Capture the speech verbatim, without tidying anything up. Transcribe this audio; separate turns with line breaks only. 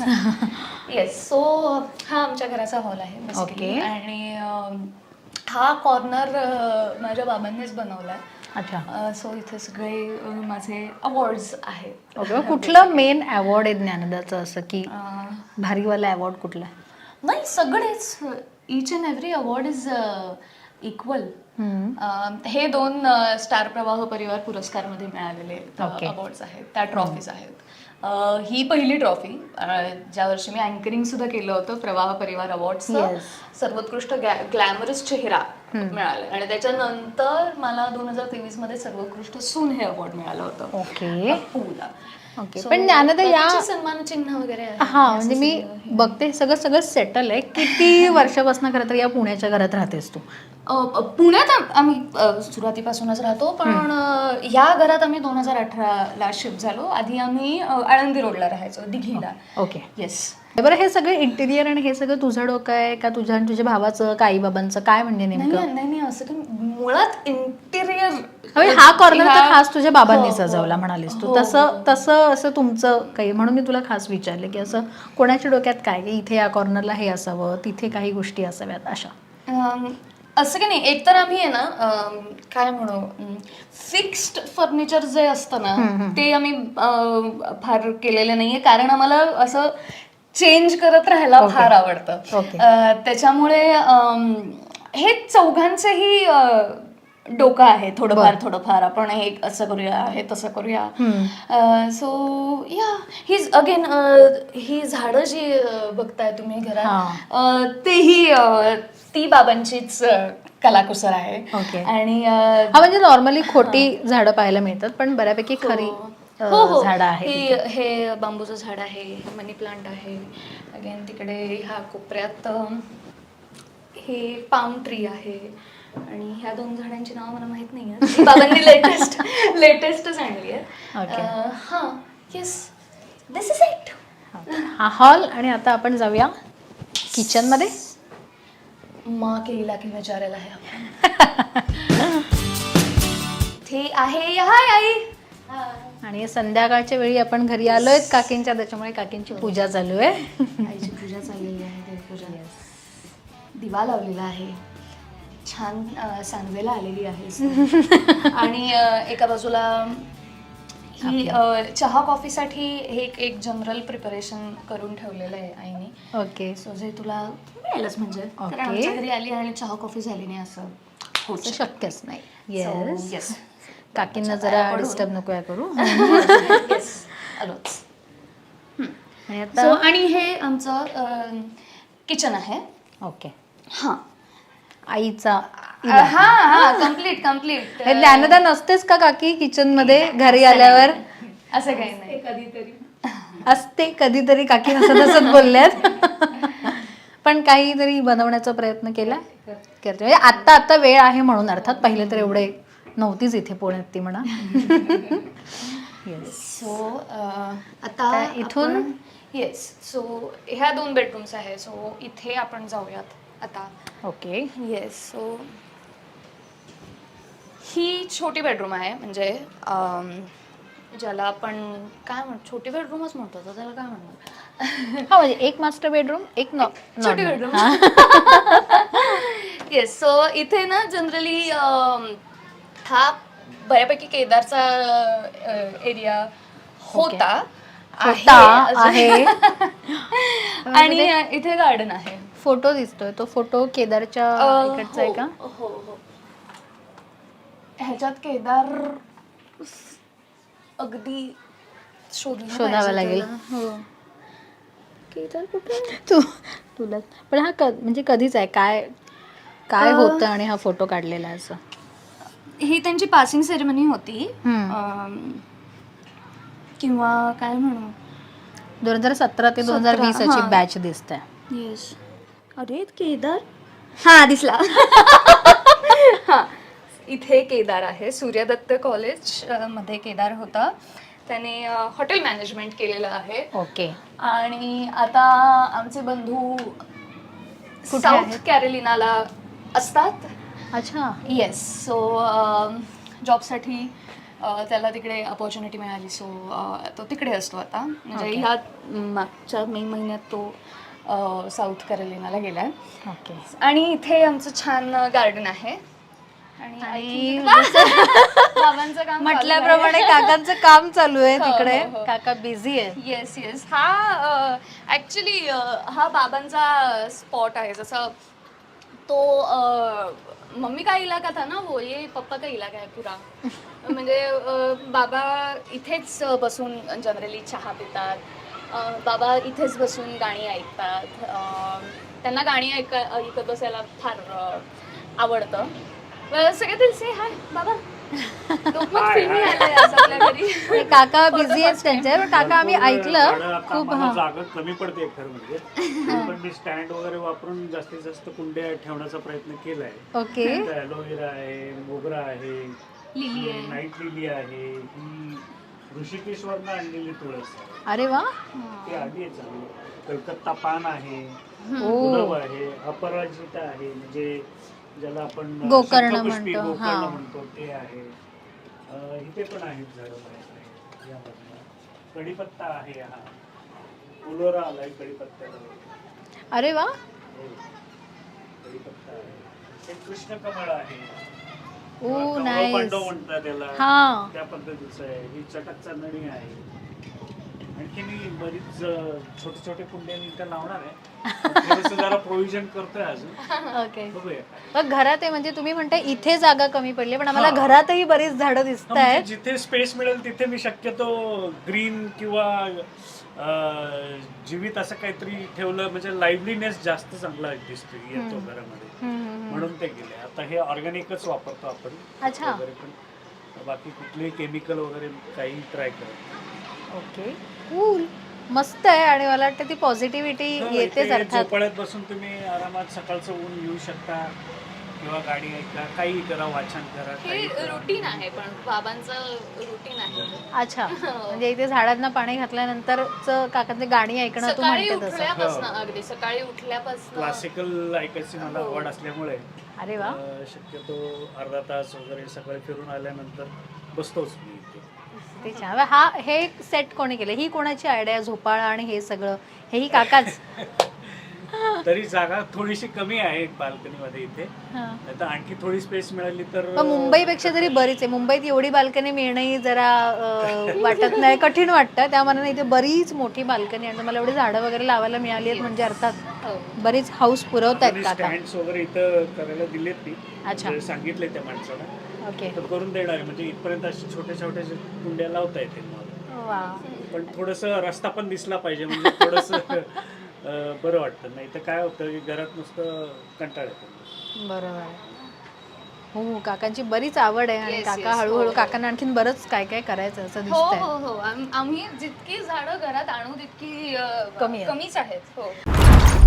Yes. So हा आमच्या घराचा हॉल आहे बेसिकली.
Okay.
आणि अं, हा कॉर्नर माझ्या बाबांनीच बनवलाय.
अच्छा.
सो इथे सगळे अं, माझे अवॉर्ड्स आहेत.
ओके. कुठलं मेन अवॉर्ड आहे ज्ञानदाचं असं की
अं,
भारीवाला अवॉर्ड कुठला?
नाही सगळेच, each and every award is equal. हे दोन अं, स्टार प्रवाह परिवार पुरस्कारमध्ये मिळालेले
Okay.
अवॉर्ड्स आहेत, त्या ट्रॉफीज आहेत. अं, ही पहिली ट्रॉफी ज्या वर्षी मी अँकरिंग सुद्धा केलं होतं प्रवाह परिवार अवॉर्ड्सचं
Yes.
सर्वोत्कृष्ट ग्लॅमरस चेहरा मिळालं. आणि त्याच्यानंतर मला दोन हजार तेवीस मध्ये सर्वोत्कृष्ट सून हे अवॉर्ड मिळालं होतं
ओके.
अप्पूला.
ओके.
So,
पण ज्ञानदा या
बाकीचे सन्मान चिन्ह वगैरे आहे.
हा म्हणजे मी बघते सगळं सगळं सेटल आहे. किती वर्षापासून खरं तर या पुण्याच्या घरात राहतेस तू?
अ, अ, पुण्यात आम- आम्ही अ, सुरुवातीपासूनच राहतो, पण अ, या घरात आम्ही दोन हजार अठराला शिफ्ट झालो. आधी आम्ही अ, आळंदी रोडला राहायचो, दिघीला.
ओके.
येस.
बरं, हे सगळं इंटिरियर आणि हे सगळं तुझं डोकं आहे का तुझ्या आणि तुझ्या भावाचं का आई बाबांचं काय म्हणजे
नाही
नेमकं?
नाही नाही, असं की मुळात इंटिरियर
हा कॉर्नर तर खास तुझ्या बाबांनी
हो, हो.
सजवला म्हणालीस तू.
हो,
तसं
हो.
तसं असं तुमचं काही म्हणून मी तुला खास विचारले की असं कोणाच्या डोक्यात काय की इथे या कॉर्नरला हे असावं, तिथे काही गोष्टी असाव्यात अशा?
अम, असं की नाही, एकतर आम्ही आहे ना अम, काय म्हणू, फिक्स्ड फर्निचर जे असतं ना ते आम्ही अम, फार केलेलं नाहीये, कारण आम्हाला असं चेंज करत राहायला
Okay.
फार आवडतं.
Okay.
अ, त्याच्यामुळे अम, हे चौघांचंही अ, डोकं आहे थोडंफार थोडंफार, आपण हे असं करूया हे तसं करूया. सो या हीज अगेन ही झाडं जी अ, बघताय तुम्ही घरात,
हा.
अ, तेही अ, ती बाबांचीच अ, कलाकुसर आहे.
Okay.
आणि अ,
हा म्हणजे नॉर्मली खोटी झाडं पाहायला मिळतात पण बऱ्यापैकी खरी अ,
हो हो,
झाडं आहेत
ही
इथे.
हे बांबूचं झाड आहे, मनी प्लांट आहे. अगेन तिकडे ह्या कोपऱ्यात अ, हे पाम ट्री आहे. आणि ह्या दोन झाडांची नाव मला माहित नाही आहे, बाबांनी लेटेस्ट लेटेस्टच आणली आहे.
Okay.
अ, हा येस, दिस इज इट.
हा हॉल. आणि आता आपण जाऊया किचन मध्ये.
माँ के इलाके में जा रहा है आपण. ते आहे, हाय आई.
आणि संध्याकाळच्या वेळी आपण घरी आलोय काकींच्या, त्याच्यामुळे काकींची पूजा चालू आहे.
आईची पूजा चाललेली आहे, देवपूजा. दिवा लावलेला आहे, छान अ, सांगवेला आलेली आहे. आणि अ, एका बाजूला ही अ, चहा कॉफीसाठी हे एक एक जनरल प्रिपरेशन करून ठेवलेलं आहे आईने.
ओके.
सो जे तुला मिळेलच म्हणजे, कारण
Okay.
आमच्या घरी आली आणि चहा कॉफी झाली नाही असं होऊ
असं
शकत.
शक्यच नाही.
So,
yes.
yes.
काकींना
बाबाच्या
जरा
पाया पडून.
डिस्टर्ब नको करू.
Yes, आलोच.
आणि
So,
आता
आणि हे आमचं किचन आहे.
ओके.
हा
आईचा
हा हा कम्प्लीट कम्प्लीट.
हे ज्ञानदा नसतेच का काकी किचन मध्ये घरी आल्यावर?
असं काही नाही, कधीतरी
असते कधीतरी, काकी नसत असत बोलल्यात. पण काहीतरी बनवण्याचा प्रयत्न केला करते म्हणजे आत्ता आत्ता वेळ आहे म्हणून, अर्थात पहिले तर एवढे नव्हतीच इथे पुण्यात ती म्हणा. येस.
सो आता
काय इथून?
येस. सो ह्या दोन बेडरूम्स आहे. सो इथे आपण जाऊयात आता.
ओके.
येस. सो ही छोटी बेडरूम आहे, म्हणजे अम, ज्याला आपण काय म्हण छोटी बेडरूमच म्हणतो, तर त्याला काय म्हणणार.
हा म्हणजे एक मास्टर बेडरूम, एक नॉ
छोटी बेडरूम. येस. सो इथे ना जनरली हा बऱ्यापैकी केदारचा एरिया होता,
होता, आहे.
आणि इथे गार्डन आहे.
फोटो दिसतोय, तो फोटो केदारच्या
अ,
इकडचा आहे का?
हो हो हो. ह्याच्यात केदार अगदी शोधलं
शोधावं
पाहिजे
लागेल.
त्याला. हो. केदार कुठे?
तू तुला पण हा क म्हणजे कधीच आहे काय काय
अ,
होतं आणि हा फोटो काढलेला आहे असं?
ही त्यांची पासिंग सेरेमनी होती.
हम्म.
अम, किंवा काय म्हणू,
दोन हजार सतरा ते दोन हजार वीस
सतरा,
अची
हा.
बॅच दिसते.
येस. अरे केदार, हा दिसला. हा, इथे केदार आहे. सूर्यदत्त कॉलेज अ, मध्ये केदार होता. त्याने हॉटेल मॅनेजमेंट केलेलं आहे.
ओके.
आणि आता आमचे बंधू
कुठे
साऊथ
आहेत?
कॅरोलिनाला असतात.
अच्छा.
येस. सो जॉबसाठी अ, त्याला तिकडे अपॉर्च्युनिटी मिळाली सो तो तिकडे असतो आता म्हणजे ह्या मागच्या मे महिन्यात तो अ, साऊथ कॅरोलिनाला गेला आहे
ओके.
आणि इथे आमचं छान गार्डन आहे आणि
आणि
I think बाबांचं काम
म्हटल्याप्रमाणे काकांचं काम चालू आहे
हो,
तिकडे.
हो, हो.
काका बिझी आहे.
येस येस हा ॲक्च्युली हा बाबांचा स्पॉट आहे जसं तो अ, मम्मी का इलाका था ना वो ये पप्पा का इलाका है पूरा म्हणजे अ, बाबा इथेच बसून जनरली चहा पितात अ, बाबा इथेच बसून गाणी ऐकतात अ, त्यांना गाणी ऐक ऐकत बसायला फार अ, आवडतं अ, सगळे ते से हाय बाबा तो पण फिल्मी आलाय आज आपल्या घरी
हे काका बिझी आहेत त्यांच्या पण काका आम्ही ऐकलं खूप.
मला
हा
जागा कमी पडते खरं म्हणजे तरी पण मी स्टँड वगैरे वापरून जास्तीत जास्त कुंड्या ठेवण्याचा प्रयत्न केलाय.
ओके.
ॲलोवेरा आहे, मोगरा आहे,
लिली आहे.
नाईट लिली आहे, ही ऋषिकेश्वरनं आणलेली तुळस आहे.
अरे वा.
ती आली आहे चांगली. कलकत्ता पान आहे,
ओ
गुलाब आहे, अपराजिता आहे म्हणजे ज्याला आपण
गोकर्ण
शंखपुष्पी,
म्हणतो,
गोकर्ण
हा.
म्हणतो ते आहे. अं, इथे पण आहेत झाडं बरेच आहेत यामधनं. कढीपत्ता आहे हा, फुलोरा आलाय कढीपत्त्याला.
अरे वा.
हो. कढीपत्ता आहे. हे कृष्णकमळ आहे.
ओ
कौरव
नाईस.
पांडव म्हणतात त्याला,
हा.
त्या पद्धतीचं आहे. ही चटक चांदणी आहे. आणखी मी बरीच अं, छोटे छोटे कुंड्या मी इथं लावणार आहे. थोडंसं जरा प्रोव्हिजन करतोय अजून,
ओके.
बघूया.
मग घरात आहे म्हणजे तुम्ही म्हणताय इथे जागा कमी पडली पण आम्हाला
हा.
घरातही बरीच झाडं दिसत
म्हणजे
आहेत.
जिथे स्पेस मिळेल तिथे मी शक्यतो ग्रीन किंवा अं, जीवित असं काहीतरी ठेवलं म्हणजे लाईव्हलीनेस जास्त चांगला दिसतो येतो घरामध्ये, म्हणून ते गेले. आता हे ऑर्गॅनिकच वापरतो आपण
अच्छा.
वगैरे, पण बाकी कुठलेही केमिकल वगैरे काही ट्राय करत.
ओके. कूल. मस्त आहे आणि मला वाटतं ती पॉझिटिव्हिटी येतेच अर्थात.
झोपाळ्यात बसून तुम्ही आरामात सकाळचं ऊन येऊ शकता किंवा गाडी ऐका, काही करा, वाचन करा,
हे
काही करा.
रुटीन आहे पण बाबांचं रुटीन आहे
अच्छा. म्हणजे इथे झाडांना पाणी घातल्यानंतरच काकांचे गाणी ऐकणं तू
सकाळी
म्हणते तसं.
उठल्यापासून अगदी सकाळी उठल्यापासून
क्लासिकल ऐकायची मला आवड असल्यामुळे
अरे वा.
अं, शक्यतो अर्धा तास वगैरे सकाळी फिरून आल्यानंतर बसतोच मी इथे.
ते छान. हा हे सेट कोणी केलं? ही कोणाची आयडिया? झोपाळा आणि हे सगळं हेही काकाच?
तरी जागा थोडीशी कमी आहे बाल्कनी मध्ये इथे,
हा.
नाही तर आणखी थोडी स्पेस मिळाली तर
पण मुंबईपेक्षा तरी बरीच आहे. मुंबईत एवढी बाल्कनी मिळणंही जरा अं, वाटत नाही, कठीण वाटतं. त्या मनाने इथे बरीच मोठी बाल्कनी आणि मला एवढी झाडं वगैरे लावायला मिळाली आहेत म्हणजे अर्थात
हो.
बरीच हाऊस पुरवतायत काका.
स्टँड्स वगैरे इथं करायला दिलेत मी,
अच्छा.
म्हणजे सांगितले त्या माणसाला,
ओके.
तर करून देणार आहे. म्हणजे इथपर्यंत अशी छोट्या छोट्या कुंड्या लावता येतील मला.
वा.
पण थोडस रस्ता पण दिसला पाहिजे म्हणजे थोडस बरं वाटतं. नाही तर काय होतं की घरात नुसतं कंटाळ येतो.
बरोबर आहे. हो काकांची बरीच आवड आहे आणि
Yes,
काका
yes.
हळूहळू
हो.
काकांना आणखीन बरंच काय काय करायचं असं
हो
दिसतंय.
हो हो आम- आम्ही जितकी झाडं घरात आणू तितकी अ,
कमी आहेत.
कमीच आहेत हो